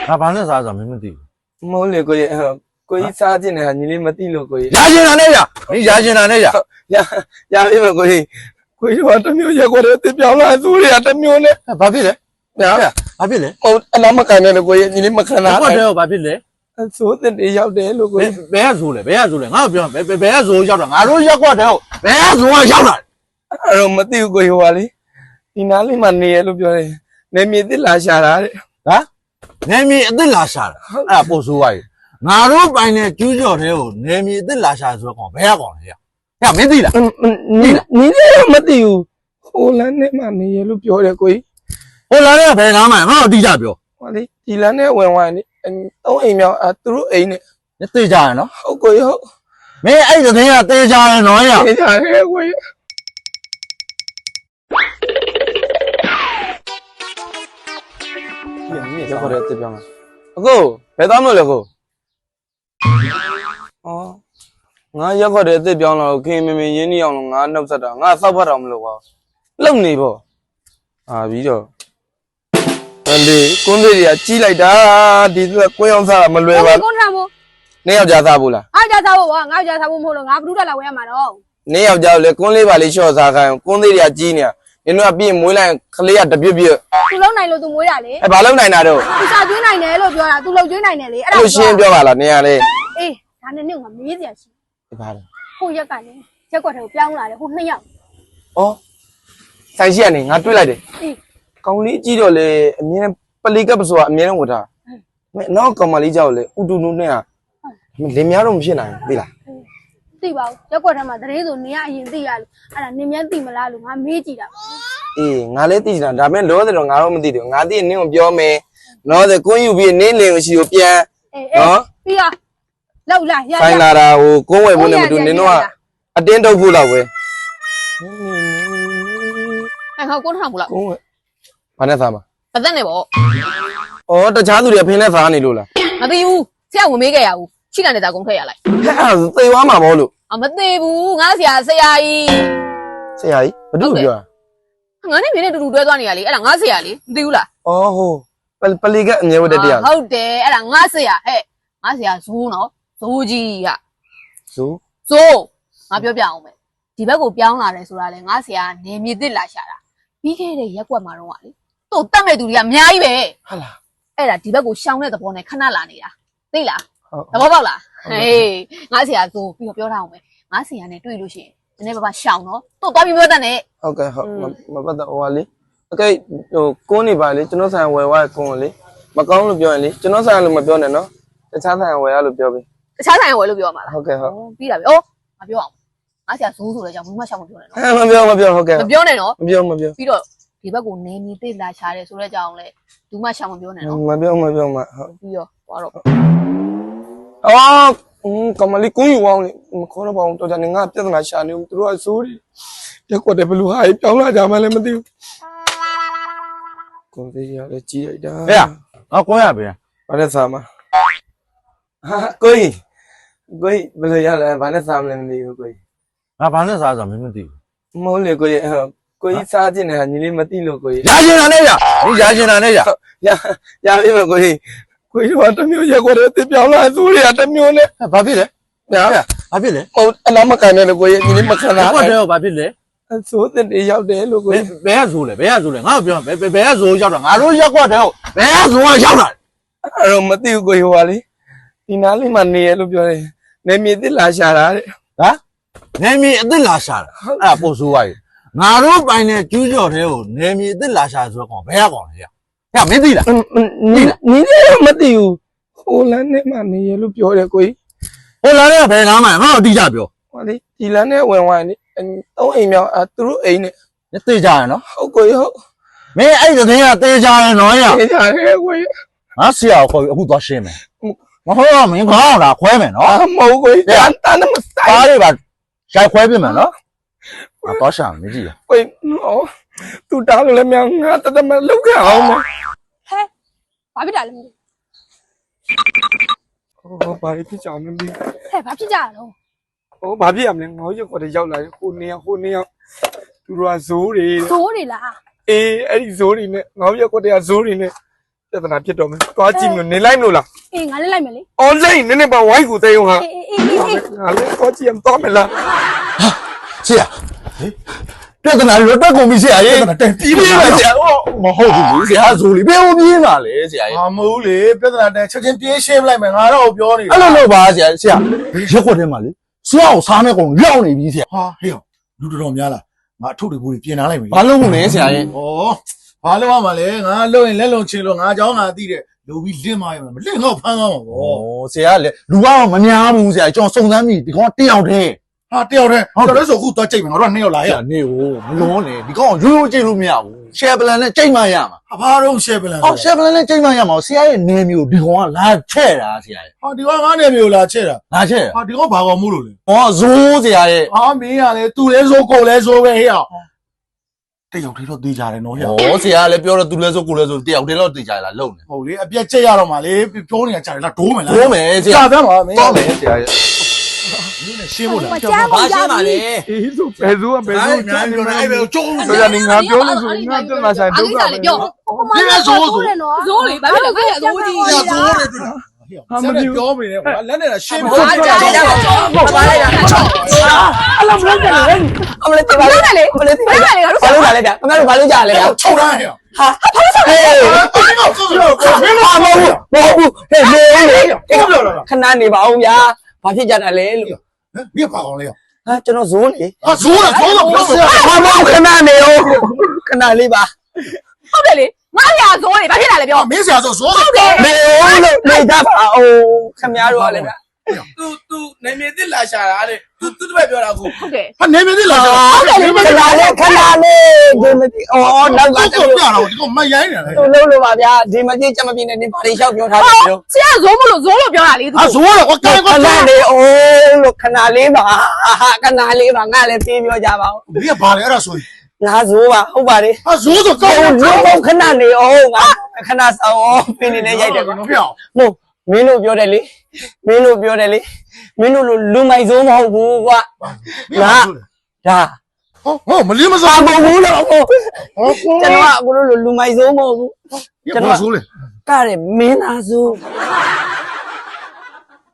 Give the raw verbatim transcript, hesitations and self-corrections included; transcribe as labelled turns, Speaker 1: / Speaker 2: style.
Speaker 1: ငါဘာနဲ့စားဆိုတာမင်းမသိဘူး
Speaker 2: မဟုတ်လေကိုကြီးကိုကြီးစားခြင်းနဲ့ညီလေးမသိလို့ကိုကြီး
Speaker 1: ရာရှင်တာနဲ့ရမင်းရာရှင်တာနဲ့ရ
Speaker 2: ရရပြီမကိုကြီးကိုကြီးကတမျိုးရက်ွက်တဲ့ပြောင်းလာသူတွေကတမျိုးနဲ့
Speaker 1: ဘာဖြစ်လဲ
Speaker 2: ညာ
Speaker 1: ဘာဖြစ်လဲ
Speaker 2: ဟုတ်အနာမကန်နဲ့ကိုကြီးညီလေးမခံတာ
Speaker 1: ဟုတ်တယ်ဘာဖြစ်လဲ
Speaker 2: ဆိုးတဲ့တေးရောက်တယ်လို့ကိုကြီး
Speaker 1: ဘယ်ကဆိုးလဲဘယ်ကဆိုးလဲငါ့ကိုပြောဘယ်ဘယ်ကဆိုးရောက်တာငါတို့ရက်ွက်တယ်ဟုတ်ဘယ်ကဆိုးကရောက်တာ
Speaker 2: အဲ့တော့မသိဘူးကိုကြီးဟိုပါလေဒီနားလေးမှာနေရလို့ပြောတယ်နေမြေသစ်လာရှာတာတဲ့
Speaker 1: ဟမ်နေမြေအစ်စ်လာရှာတာအဲ့ဒါပို့ဆိုးသွားပြီငါတို့ပိုင်တဲ့ကျူးကျော်တဲ့ကိုနေမြေအစ်စ်လာရှာဆိုတော့ကောင်ဘယ်ကကောင်လဲရဟဲ့မင်းသိလား
Speaker 2: နီးနီးလည်းမသိဘူးဟိုလမ်းနဲ့မှနေရလို့ပြောတယ်ကိုကြီး
Speaker 1: ဟိုလမ်းနဲ့ဘယ်နားမှာငါ့ကိုတိကျပြော
Speaker 2: ဟောလေဒီလမ်းနဲ့ဝင်ဝင်နေသုံးအိမ်မြောက်အဲသူတို့အိမ်နဲ့
Speaker 1: သိကြရနော်
Speaker 2: ဟုတ်ကိုကြီးဟုတ်
Speaker 1: မင်းအဲ့တဲ့ကတေးကြရနော်ရ
Speaker 2: တေးကြရဲကိုကြီးညရက်ခေါ်တဲ့တစ်ပြောင်းလာအကိုဘယ်သွားမလို့လဲကိုဩငါရက်ခေါ်တဲ့အစ်စ်ပြောင်းလာတော့ခင်မင်းမင်းရင်းနှီးအောင်လို့ငါနှုတ်ဆက်တာငါစောက်ဖတ်တော်မလို့ကွာလုံနေပေါ့အာပြီးတော့အဲ့လေကွန်းသေးတွေကကြီးလိုက်တာဒီကကွင်းအောင်စားတာမလွယ်ပါဘူး
Speaker 3: ကွန်းထားမို့
Speaker 2: နေယောက်ျားစားဘူးလား
Speaker 3: အားကြစားဖို့ကွာငါ့ယောက်ျားစားဖို့မဟုတ်လို့ငါဘုဒ္ဓလာဝဲရမှာတော့
Speaker 2: နေယောက်ျားလေကွန်းလေးပါလေးလျှော့စားခိုင်းကွန်းသေးတွေကကြီးနေတာနင်တို့ကပြီးရင်မွေးလိုက်ခလေးကတပြစ်ပြစ်
Speaker 3: သူလုံးနိုင်လို့သူမွေးတာလေ
Speaker 2: အဲဘာလုံးနိုင်တာတော့
Speaker 3: သူစာကျွေးနိုင်တယ်လို့ပြောတာသူလုံကျွေးနိုင်တယ်လေ
Speaker 2: အဲ့ဒါလို့ရှင်းပြောပါလားနေရလေ
Speaker 3: အေးဒါနဲ့နင့်ကမေးစရာရှိ
Speaker 2: ဘာလဲ
Speaker 3: ဟိုရက်ကလည်းရက်ကွက်ထဲကိုပြောင်းလာတယ်ဟိုနှစ်ယောက်
Speaker 2: ဩဆိုင်ရှိကနေငါတွေးလိုက်တယ်
Speaker 3: အေး
Speaker 2: ကောင်းလေးကြီးတော့လေအမြဲပလီကပ်ဆိုတာအမြဲတမ်းဝတ်တာမင်းနောက်ကောင်မလေးကြောက်လေဥတူနုနဲ့ကလင်များတော့မဖြစ်နိုင်ဘူးသိလား
Speaker 3: သိပါဘူးရက်ကွက်ထဲမှာတရေဆိုနေရအရင်သိရလို့အဲ့ဒါနင်မြန်းသိမလားလို့ငါမေးကြည့်တာ
Speaker 2: အေးငါလည်းသိချင်တာဒါပေမဲ့လောတယ်တော့ငါတော့မသိတယ်ငါသိရင်နင်းကိုပြောမယ်နော်တဲ့ကွန်းယူပြီးနင်းလင်ကိုရှိကိုပြန်
Speaker 3: နော်ပြီးတော့လောက်လာရရ
Speaker 2: ဆိုင်လာတာဟိုကွန်းဝယ်ဖို့နဲ့မတူနင်းတော့အတင်းတုပ်ဖို့လောက်ပဲ
Speaker 3: အဲ့ဟောကွန်းထောင်ဘူးလား
Speaker 2: ကွန်းဝယ်ဘာနဲ့စားမှာ
Speaker 3: ပသက်နေပေါ့
Speaker 2: ဩတခြားသူတွေဖင်းနဲ့စားနေလို့လား
Speaker 3: မသိဘူးဆရာဝင်မေးခဲ့ရဘူးချိကန်နေတာကုန်ထွက်ရလိုက်
Speaker 2: ဟဲ့အဲ့သေသွားမှာမဟုတ်လို့
Speaker 3: အမသေးဘူးငါဆရာဆရာကြီး
Speaker 2: ဆရာကြီးဘာလို့ပြော
Speaker 3: ငါနဲ့မင်းနဲ့တူတူတွဲသွားနေရလေအဲ့ဒါငါဆရာလေမသိဘူးလား
Speaker 2: ဩဟိုပလီကအငယ်ဝတ်တဲ့တရား
Speaker 3: ဟုတ်တယ်အဲ့ဒါငါဆရာဟဲ့ငါဆရာဇိုးနော်ဇိုးကြီးက
Speaker 2: ဇိုး
Speaker 3: ဇိုးငါပြောပြအောင်မယ်ဒီဘက်ကိုပြောင်းလာတယ်ဆိုတာလေငါဆရာနေမြေသစ်လာရှာတာပြီးခဲ့တဲ့ရက်ကွက်မှာတော့ကလေသူ့တတ်မဲ့သူတွေကအများကြီးပဲ
Speaker 2: ဟုတ်လား
Speaker 3: အဲ့ဒါဒီဘက်ကိုရှောင်းတဲ့သဘောနဲ့ခဏလာနေတာသိလားသဘောပေါက်လားဟေးငါဆရာဇိုးပြီးတော့ပြောထားအောင်မယ်ငါဆရာနဲ့တွေ့လို့ရှိရင်နည်းနည်းပါးပါးရှောင်းနော်သူ့သွားပြီးပြောတတ်နဲ့
Speaker 2: ဟုတ်ကဲ့ဟုတ်မပတ်တော့ဟိုပါလေโอเคဟိုကွန်းနေပါလေကျွန်တော်ဆိုင်ဝယ်သွားကွန်းလေမကောင်းလို့ပြောရင်လေကျွန်တော်ဆိုင်လို့မပြောနဲ့နော်တခြားဆိုင်ဝယ်ရလို့ပြောပြီ
Speaker 3: တခြားဆိုင်ဝယ်လို့ပြောမှာလား
Speaker 2: ဟုတ်ကဲ့ဟုတ်
Speaker 3: ပြီးတာပြီဩမပြောအောင်ငါဆရာဇိုးဆိုလဲကြောင့်ဘူးမှရှောင်းမပြောနဲ့နော်
Speaker 2: မပြောမပြောဟုတ်ကဲ့
Speaker 3: မပြောနဲ့နော်
Speaker 2: မပြောမပြော
Speaker 3: ပြီးတော့ဒီဘက်ကိုနေမီသိလာချတယ်ဆိုတဲ့ကြောင့်လဲဘူးမှရှောင်းမပြောနဲ့နော်
Speaker 2: မပြောမပြောမဟုတ်
Speaker 3: ပြီးတော့သွားတော့
Speaker 2: အော်ကမလီကွန်းယူအောင်မခေါ်တော့ပါဘူးတော်ကြနေငါပြဿနာရှာနေဘူးသူတို့ကစိုးတယ်ရက်ကွက်တယ်ဘလူဟာပြောင်းလာကြမှလည်းမသိဘူးကွန်သေးရလည်းကြီးလိုက်တာ
Speaker 1: ဟဲ့အော်ကွန်းရပြန်
Speaker 2: ဘာနဲ့စားမှာဟာကိုကြီးကိုကြီးဘယ်လိုရလဲဘာနဲ့စားမလဲမသိဘူးကိုကြီး
Speaker 1: ငါဘာနဲ့စားဆိုတာမင်းမသိဘူး
Speaker 2: မဟုတ်လေကိုကြီးကိုကြီးစားခြင်းနဲ့ညီလေးမသိလို့ကိုကြီး
Speaker 1: ရာရှင်တာနဲ့ရဒီရာရှင်တာနဲ့ရ
Speaker 2: ရရပြီမကိုကြီးကိုကြီးကတမျိုးရက်ကွက်တဲ့ပြောင်းလာသူတွေကတမျိုးနဲ့
Speaker 1: ဘာဖြစ်လဲညာဘာဖြစ်လဲ
Speaker 2: ဟုတ်အနာမကန်နဲ့ကိုကြီးညီလေးမခံတာ
Speaker 1: ဟုတ်တယ်ဘာဖြစ်လဲ
Speaker 2: ဆိုးတဲ့ရောက်တယ်လို့ကိုကြီး
Speaker 1: ဘယ်ကဆိုးလဲဘယ်ကဆိုးလဲငါ့ကိုပြောဘယ်ဘယ်ကဆိုးရောက်တာငါတို့ရက်ကွက်တဲ့ဟုတ်ဘယ်ကဆိုးကရောက်တာ
Speaker 2: အဲ့တော့မသိဘူးကိုကြီးဟိုပါလေဒီနားလေးမှာနေရလို့ပြောတယ်နေမြေသစ်လာရှာတာတဲ့
Speaker 1: ဟမ်နေမြေအစ်စ်လာရှာတာအဲ့ဒါပို့ဆိုးသွားပြီငါတို့ပိုင်တဲ့ကျူးကျော်တဲ့ကိုနေမြေအစ်စ်လာရှာဆိုတော့ကောင်ဘယ်ကကောင်လဲရဟဲ့မင်းသိလား
Speaker 2: နီးနီးလည်းမသိဘူးဟိုလမ်းနဲ့မှနေရလို့ပြောတယ်ကိုကြီး
Speaker 1: ဟိုလမ်းနဲ့ဘယ်နားမှာငါ့ကိုတိကျပြော
Speaker 2: ဟောလေဒီလမ်းနဲ့ဝင်ဝင်နေသုံးအိမ်မြောက်အဲသူတို့အိမ်နဲ့
Speaker 1: သိကြရနော်
Speaker 2: ဟုတ်ကိုကြီးဟုတ်
Speaker 1: မင်းအဲ့တဲ့ကတေးကြရနော်ရ
Speaker 2: တေးကြရဲကိုကြီး
Speaker 1: ငါဆရာကိုခေါ်ပြီးအခုသွားရှင်းမယ်မဟုတ်တော့မင်းခေါင်းလာခွဲမယ်နော်
Speaker 2: မဟုတ်ကိုကြီးတန်တန်မ
Speaker 1: ဆိုင်ပါလေပါရိုက်ခွဲပြမယ်နော်ငါတော့ရှာမကြည့်ရ
Speaker 2: ကိုကြီးနော်သူတားလို့လည်းမြန်ငါတတမလောက်ခဲ့အောင်မ
Speaker 3: ဟဲဘာဖြစ်တာလဲ
Speaker 2: ဟိုဘာဖြစ်ကြအောင်မသိ
Speaker 3: ဟဲဘာဖြစ်ကြတော့
Speaker 2: ဟိုဘာဖြစ်ရမလဲငေါရက်ကွက်တွေရောက်လာတယ်ဟိုနေဟိုနေသူတို့ကဇိုးတွေ
Speaker 3: ဇိုးတွေလား
Speaker 2: အေးအဲ့ဒီဇိုးတွေနဲ့ငေါရက်ကွက်တွေကဇိုးတွေနဲ့တပြဿနာဖြစ်တော့မယ်သွားကြည့်မလို့နေလိုက်မလို့လား
Speaker 4: အေးငါလည်းလိုက်မယ်လေ
Speaker 2: အော်လိုက်နည်းနည်းပါဝိုင်းကိုသိအောင်ဟာ
Speaker 4: အေးအေးအေးအေး
Speaker 2: ငါလည်းသွားကြည့်အောင်သွားမလား
Speaker 1: ဆရာပြဿနာလွတ်တက်ကုန်ပြီဆရာရေ
Speaker 5: ပြဿနာတန်ပြီးပြီ
Speaker 1: ပါဆရာဟောမဟုတ်ဘူးဆရာဆိုလေဘယ်လိုပြေးမှာလဲဆရာရေ
Speaker 5: ဟာမဟုတ်လေပြဿနာတန်ချက်ချင်းပြေးရှင်းလိုက်မယ်ငါတော့ပြောနေ
Speaker 1: အဲ့လိုလုပ်ပါဆရာဆရာရက်ခွက်ထဲမှာလေဆရာကိုစားနေကုန်ရောက်နေပြီဆရာ
Speaker 5: ဟာဟေ့လူတော်တော်များလားငါအထုပ်တွေဘူးပြင်ထားလိုက်မယ်
Speaker 1: ဘာလို့မလဲဆရာရေ
Speaker 5: ဩဘာလို့ရမှာလဲငါလုံရင်လက်လုံချင်လို့ငါเจ้าငါသိတယ်လူပြီးလင့်မရမှာမလင့်တော့ဖမ်းသွားမှာဗော
Speaker 1: ဩဆရာကလေလူကတော့မများဘူးဆရာကျွန်တော်စုံစမ်းပြီဒီကောင်တယောက်တည်း
Speaker 5: ဟာတယောက်တည်းတော်တော်ဆိုအခုတော့ကြိတ်မယ်ငါတို့ကနှစ်ယောက်လာ
Speaker 1: ဆ
Speaker 5: ရ
Speaker 1: ရာနေကိုမလွန်နဲ့ဒီကောင်ရိုးရိုးကြည့်လို့မရဘူးရှယ်ပလန်နဲ့ကြိတ်မှရမှာ
Speaker 5: ဟာဘာတော့ရှယ်ပလန်
Speaker 1: ဟောရှယ်ပလန်နဲ့ကြိတ်မှရမှာဆရာရဲ့နေမျိုးဒီကောင်ကလာချဲ့တာဆရာရေ
Speaker 5: ဟာဒီကငါနေမျိုးလာချက်တာ
Speaker 1: လာချဲ့
Speaker 5: ဟာဒီကဘာကောင်မို့လို့လဲ
Speaker 1: ဟောဇိုးဆရာရဲ့
Speaker 5: ဟာမင်းကလေသူလဲဆိုကိုလဲဆိုပဲဟေ့တယောက်တည်းတော့သေးကြတယ်နော်ဟေ့
Speaker 1: ဩဆရာကလည်းပြောတော့သူလဲဆိုကိုလဲဆိုတယောက်တည်းတော့တည်ကြလားလုံနေ
Speaker 5: ဟုတ်လေအပြက်ချက်ရတော့မှလေပြောနေတာကြာတယ်လားဒိုးမယ်လား
Speaker 1: ဒိုးမယ်ဆရာ
Speaker 5: ကြာသမ်းပါမင်း
Speaker 1: တော့မယ်ဆရာရဲ့
Speaker 5: မင်းနဲ့ရှင်းဖို့လား
Speaker 4: မကြားဘူးကြားဘူးလေ
Speaker 2: အေးဆိုဘယ်သူကဘယ်သူ
Speaker 5: အများကြီးပြောနေအဲ့ဘယ်ကျုံး
Speaker 2: ဆိုရနေငါပြောလို့ဆိုရင်ငါပြဿနာဆိုင်ဒုက္ခပဲ
Speaker 3: ပြော
Speaker 5: ဒီမဲ့ဆိုဆို
Speaker 4: တယ်နော်
Speaker 3: ဇိုးလေဘာဖြစ်လဲငါ့ဇိုးကြီး
Speaker 5: ရဆိုးတယ်တွေ့လားဟာမပြောမနေနဲ့ကွာလက်နဲ့ရှင်းဖို့
Speaker 3: အားကြတယ်တော့ဘာလိုက်တာ
Speaker 2: အလုံးလုံးတယ်လေအမလေးတင်ပါလေ
Speaker 3: ဘာလဲဘာလဲဘာလဲငါတို့
Speaker 2: ဘာလို့လာလဲဗျခင်ဗျားတို့ဘာလို့ကြားလဲဗျ
Speaker 5: ချုံရဟဲ့
Speaker 2: ဟာဘာလို့ဆက်လဲ
Speaker 5: ဘာလို့ဆိုဆိုမင်းမ
Speaker 2: မဟုတ်ဘူးမဟုတ်ဘူးဟဲ့လေ
Speaker 5: ပြောပြောလား
Speaker 2: ခဏနေပါဦးဗျာဘာဖြစ်ကြတာလဲလို့
Speaker 5: မင်းပါအောင်လေ
Speaker 2: ဟာကျွန်တော်ဇိုးလေ
Speaker 5: ဟာဇိုးလားဇိုးတော့ပြောပြော
Speaker 2: ဟာမခဏနေဦးခဏလေးပါ
Speaker 3: ဟုတ်တယ်လေငါရဇိုးလေဘာဖြစ်လာလဲပြော
Speaker 5: မင်းဆရာဆိုဇိုးတော့
Speaker 2: နေဦးလို့နေကြပါဦးခင်ဗျားတို့ကလည်းဗျ
Speaker 6: သူသူနေမြေတစ်လာရှာတာတဲ့သူသူတပည့်ပြောတာကို
Speaker 3: ဟုတ်တယ်
Speaker 5: ဟာနေမသိလား
Speaker 2: ဟုတ်တယ်လေခဏလေးခဏလေးဒီမတိအော်နောက်က
Speaker 5: တော့
Speaker 2: တ
Speaker 5: ပြ
Speaker 2: ည်း
Speaker 5: တော့ဒီကမရိုင်းနေလေ
Speaker 2: သူလုံးလို့ပါဗျာဒီမတိချက်မပြင်းနဲ့ဒီပါလေးလျှောက်ပြောထားတယ်လို့
Speaker 3: ဆရာဇိုးမလို့ဇိုးလို့ပြောတာလေသူ
Speaker 5: ဟာဇိုးတော့ကွာ
Speaker 2: ခ
Speaker 5: ကွာ
Speaker 2: ဏလေးအိုးလို့ခဏလေးပါခဏလေးပါငါလည်းပြေးပြောကြပါဦး
Speaker 5: မင်းကဘာလဲအဲ့ဒါဆိုရင်
Speaker 2: ငါဇိုးပါဟုတ်ပါလေ
Speaker 5: ဟာဇိုးဆိုကော
Speaker 2: ဟို
Speaker 5: င်း
Speaker 2: လုံးလုံးခဏနေအောင်ငါခဏဆောင်အောင်ပြင်းနေနေရိုက်တယ်ကွာ
Speaker 5: နော်ပြော
Speaker 2: မို့မင်းတို့ပြောတယ်လေမင်းတို့ပြောတယ်လေမင်းတို့လိုလူမိုက်စိုးမဟုတ်ဘူးကွာငါဒါ
Speaker 5: ဟောဟောမလေးမ
Speaker 2: ပါ
Speaker 5: စား
Speaker 2: မဟုတ်ဘူးလို့ဟို
Speaker 5: ဟော
Speaker 2: ကျွန်တော်ကအခုလိုလူမိုက်စိုးမဟုတ်ဘူး
Speaker 5: ကျွန်တော်ဆိုလေ
Speaker 2: ကတဲ့မင်းသားစိုး